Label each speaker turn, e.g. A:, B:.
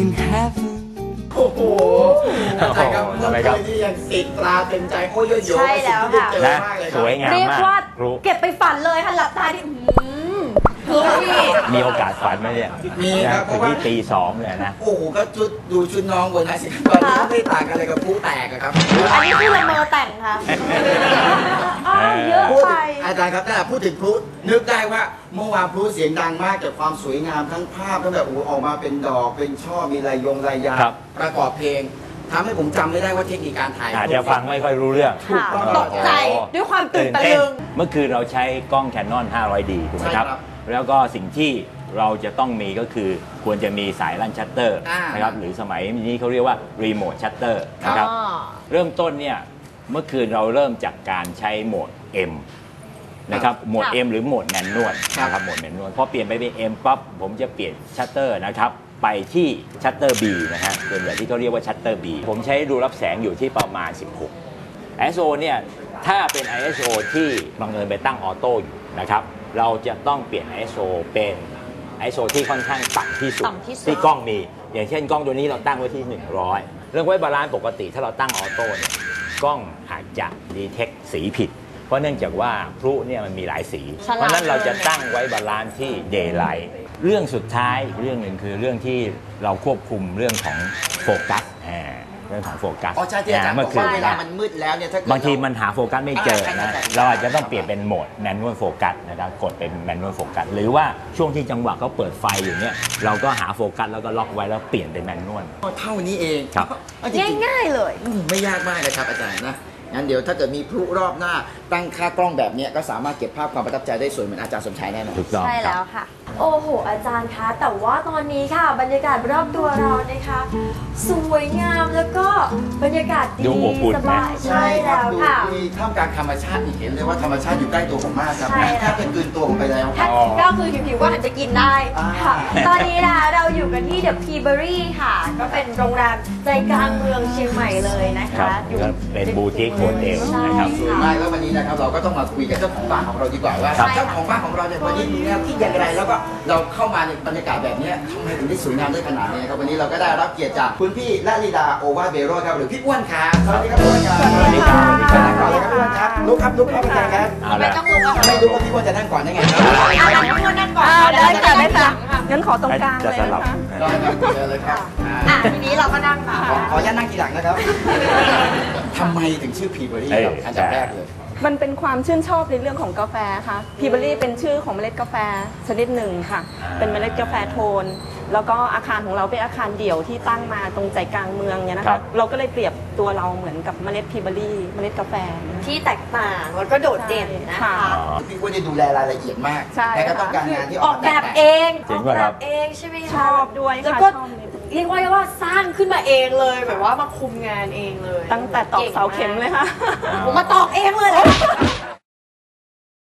A: in heaven
B: โอ้โหอาจารย์ครับเมื่อคืนนี้ยังติดตราเต็มใจโอ้ยโย
C: ใช่แล้วค่ะ
B: เจอมากเลยค
D: ส
B: รับ
D: วยงาม
C: เรียก
D: มาก
C: ว่า
D: รู้
C: เก็บไปฝันเลยค่ะหลับตาดิคือพี่
D: มีโอกาสฝันไหมเนี่ย
B: มีครับเพ
D: ถึ
B: ราะ
D: ง
B: ว่า
D: ที่ตีสองเลยนะ
B: โอ้โหก็ดูชุดน้องบนนะสิตอนนี้ไม่ต่างกันเลยกับผู้แตกอะครับ
C: อันนี้คือละเมอแต่งค่ะเยอะ
B: พูด
C: ไป
B: อาจารย์ครับถ้าพูดถึงพลุนึกได้ว่าเมื่อวานพลุเสียงดังมากจากความสวยงามทั้งภาพทั้งแบบออกมาเป็นดอกเป็นช่อมีลายยาง
D: ครับ
B: ประกอบเพลงทำให้ผมจำไม่ได้ว่าเทคนิคการถ่าย
D: อาจจะฟังไม่ค่อยรู้เรื่อง
B: ถูกต้อง
C: ตกใจด้วยความตื่นตะลึง
D: เมื่อคืนเราใช่กล้อง Canon 500D ถูกไหมครับ
B: ใช่ครับ
D: แล้วก็สิ่งที่เราจะต้องมีก็คือควรจะมีสายลั่นชัตเตอร์
B: อ่าน
D: นะครับหรือสมัยนี้เขาเรียกว่ารีโมทชัตเตอร์นะครับเริ่มต้นเนี่ยเมื่อคืนเราเริ่มจากการใช้โหมด M นะครับโหมด M หรือโหมดแมนนวลนะครับโหมดแมนนวลพอเปลี่ยนไปเป็น M ปั๊บผมจะเปลี่ยนชัตเตอร์นะครับไปที่ชัตเตอร์ B นะฮะส่วนใหญ่ที่เขาเรียกว่าชัตเตอร์ B ผมใช้ดูรับแสงอยู่ที่ประมาณ 16 ISO เนี่ยถ้าเป็น ISO ที่บังเอิญไปตั้งออโต้อยู่นะครับเราจะต้องเปลี่ยน ISO เป็น ISO ที่ค่อนข้างต่ำที่สุด
C: ต่ำที่สุด
D: ที่กล้องมี อย่างเช่นกล้องตัวนี้เราตั้งไว้ที่ 100 เรื่องไว้บาลานซ์ปกติถ้าเราตั้งออโต้เนี่ยกล้องอาจจะดีเทคสีผิด เพราะเนื่องจากว่าพลุเนี่ยมันมีหลายสี เพราะฉะนั้นเราจะตั้งไว้บาลานซ์ที่ daylight เรื่องสุดท้ายเรื่องหนึ่งคือเรื่องที่เราควบคุมเรื่องของโฟกัสเรื่องของโฟกัส
B: อ๋อใช่ที่อาจารย์บ
D: เมื่
B: อ
D: อก คืน
B: ว่าเวลา
D: นะ
B: มันมืดแล้วเนี่ยถ้าเกิด
D: บางทีมันหาโฟกัสไม่เจอ
B: ใช่
D: นะ
B: ใช่
D: เราอาจจะต้องเปลี่ยนเป็นโหมดแมนนวลโฟกัสนะครับกดเป็นแมนนวลโฟกัสหรือว่าช่วงที่จังหวะเขาเปิดไฟอยู่เนี่ยเราก็หาโฟกัสแล้วก็ล็อกไว้แล้วเปลี่ยนเป็นแมนนวล
B: เท่านี้เอง
D: ครับ
B: เอาจริงๆ
C: ง่ายๆเลย
B: ไม่ยากมากนะครับอาจารย์นะงั้นเดี๋ยวถ้าเกิดมีพลุรอบหน้าตั้งค่ากล้องแบบนี้ก็สามารถเก็บภาพความประทับใจได้สวยเหมือนอาจารย์สมชายแน่นอน
D: ถูกต้อง
C: ใช่
D: ครั
C: แล้
D: บ
C: วค่ะ โอ้โห อาจารย์คะ แต่ว่าตอนนี้ค่ะ บรรยากาศรอบตัวเรานะคะ สวยงามแล้วก็บรรยากาศดี
D: ดูอบอุ่น
C: ส
D: นะ
C: บายใช่แล้วค่ะ
B: มีท่ามกลางธรรมชาติอีกเห็นเลยว่าธรรมชาติอยู่ใกล้ตัวผมมากครับ
C: ใช่แล้ว
B: แทบจะกลืนตัวผมไปแล้ว
C: ถ้าก็คือหิวๆก็หันจะกินได้ค่ะ
D: อ่า
C: ตอนนี้นะเราอยู่กันที่เดอะพีเบอรี่ค่ะ ก็เป็นโรงแรมใจกลางเมืองเชียงใหม่เลยนะ
D: ครั
C: คะ
D: บก็เป็นบูติกโฮเทลนะครับ
B: สวยมากแล้ววันนี้นะครับเราก็ต้องมาคุยกับเจ้าของบ้านของเราดีกว่าว่า
C: ครับ
B: เจ้าของบ้านของเราเนี่ยวันนี้มีแนวคิดอย่างไรแล้วก็เราเข้ามาในบรรยากาศแบบนี้ทำไมถึงได้สวยงามได้ขนาดนี้ครับวันนี้เราก็ได้รับเกียรติจากคุณพี่ละลีดาโอวาเบโรครับหรือพี่อ้วนครับสวัสดีครับพี่อ้วนครับ
D: สวัสดีครับสวัสดีครับ
B: นั่งก่อนเลยครับพี่อ้วนครับลุกครับลุกครับอาจารย์ครับ
D: เอา
C: ไม่
D: ละ
C: ต้องลุกอะ
B: ไม่รู้ว่าพี่อ้วนจะนั่งก่อนได้ไงครับ
C: เอาละทุกคนนั่งก่อน
E: ได้ค่ะได้ค่ะงั้นขอตรงกลาง
D: จะ
E: เลย
D: ส
E: นะ
D: ลับ
E: คะ
B: ได้ครับเชิญเลยครับ
C: อ่ะทีนี้เราก็นั่งค่ะ
B: ขออนุญาตนั่งทีหลังนะครับทำไมถึงชื่อพีเบอรี่ครับอันดับแรกเลย
E: มันเป็นความชื่นชอบในเรื่องของกาแฟค่ะพีเบอรี่เป็นชื่อของเมล็ดกาแฟชนิดหนึ่งค่ะ เป็นเมล็ดกาแฟโทน แล้วก็อาคารของเราเป็นอาคารเดี่ยวที่ตั้งมาตรงใจกลางเมืองเนี่ยนะ
D: ครั
E: คะ
D: บ
E: เราก็เลยเปรียบตัวเราเหมือนกับเมล็ดพีเบอรี่เมล็ดกาแฟนะคะ
C: ที่แตกต่างแล้วก็โดดเด่นนะคะ
E: ค่ะ
B: พี่อ้วนจะดูแลรายละเอียดมาก
E: ใช่
B: และก็ต้องการงานที่
C: อ
B: อ
C: อ
B: อก ก
C: แบ
B: แบบ บ
C: เอง
D: จริ
C: อง อก
D: ป่ะ
C: แบ
D: ครับ
C: บเองใช่ไหมคะ
E: ชอบด้วย
C: แล้ว
E: ค่ะ
C: ก็
E: ชอบใน
C: เรียกว่าสร้างขึ้นมาเองเลยแบบว่ามาคุมงานเองเลย
E: ตั้งแต่ตอกเสาเข็มเลยค่ะ
C: ผมมาตอกเองเลยนะ